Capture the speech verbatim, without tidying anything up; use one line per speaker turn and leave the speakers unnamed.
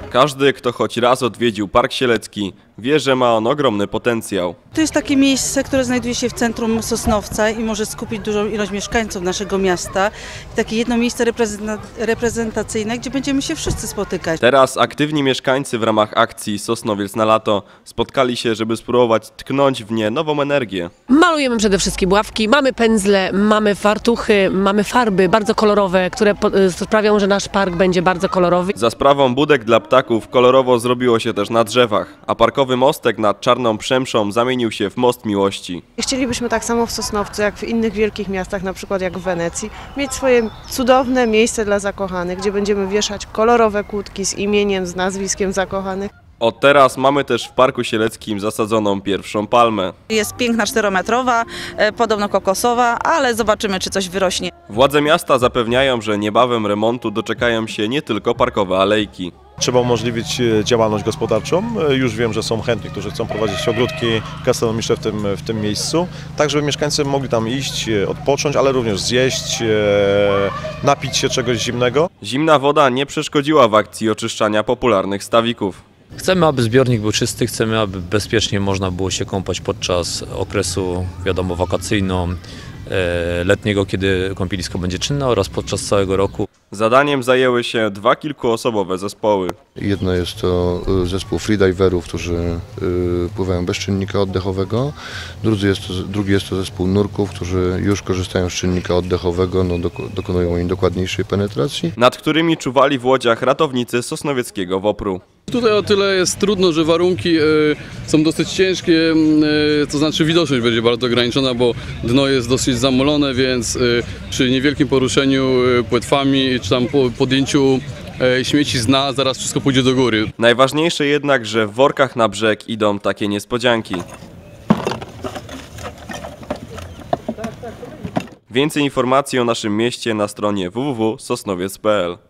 Każdy, kto choć raz odwiedził Park Sielecki, wie, że ma on ogromny potencjał.
To jest takie miejsce, które znajduje się w centrum Sosnowca i może skupić dużą ilość mieszkańców naszego miasta. Takie jedno miejsce reprezentacyjne, gdzie będziemy się wszyscy spotykać.
Teraz aktywni mieszkańcy w ramach akcji Sosnowiec na lato spotkali się, żeby spróbować tknąć w nie nową energię.
Malujemy przede wszystkim ławki, mamy pędzle, mamy fartuchy, mamy farby bardzo kolorowe, które sprawią, że nasz park będzie bardzo kolorowy.
Za sprawą budek dla ptaków kolorowo zrobiło się też na drzewach, a parkowy mostek nad Czarną Przemszą zamienił się w most miłości.
Chcielibyśmy tak samo w Sosnowcu, jak w innych wielkich miastach, na przykład jak w Wenecji, mieć swoje cudowne miejsce dla zakochanych, gdzie będziemy wieszać kolorowe kłódki z imieniem, z nazwiskiem zakochanych.
Od teraz mamy też w Parku Sieleckim zasadzoną pierwszą palmę.
Jest piękna czterometrowa, podobno kokosowa, ale zobaczymy, czy coś wyrośnie.
Władze miasta zapewniają, że niebawem remontu doczekają się nie tylko parkowe alejki.
Trzeba umożliwić działalność gospodarczą. Już wiem, że są chętni, którzy chcą prowadzić ogródki gastronomiczne w tym, w tym miejscu, tak żeby mieszkańcy mogli tam iść, odpocząć, ale również zjeść, napić się czegoś zimnego.
Zimna woda nie przeszkodziła w akcji oczyszczania popularnych stawików.
Chcemy, aby zbiornik był czysty, chcemy, aby bezpiecznie można było się kąpać podczas okresu, wiadomo, wakacyjno-letniego, kiedy kąpielisko będzie czynne, oraz podczas całego roku.
Zadaniem zajęły się dwa kilkuosobowe zespoły.
Jedno jest to zespół freediverów, którzy pływają bez czynnika oddechowego. Drugi jest to, drugi jest to zespół nurków, którzy już korzystają z czynnika oddechowego, no, dokonują im dokładniejszej penetracji.
Nad którymi czuwali w łodziach ratownicy sosnowieckiego WOPR-u.
Tutaj o tyle jest trudno, że warunki y, są dosyć ciężkie, y, to znaczy widoczność będzie bardzo ograniczona, bo dno jest dosyć zamolone, więc y, przy niewielkim poruszeniu y, płetwami czy tam po, podjęciu y, śmieci z dna zaraz wszystko pójdzie do góry.
Najważniejsze jednak, że w workach na brzeg idą takie niespodzianki. Więcej informacji o naszym mieście na stronie w w w kropka sosnowiec kropka p l.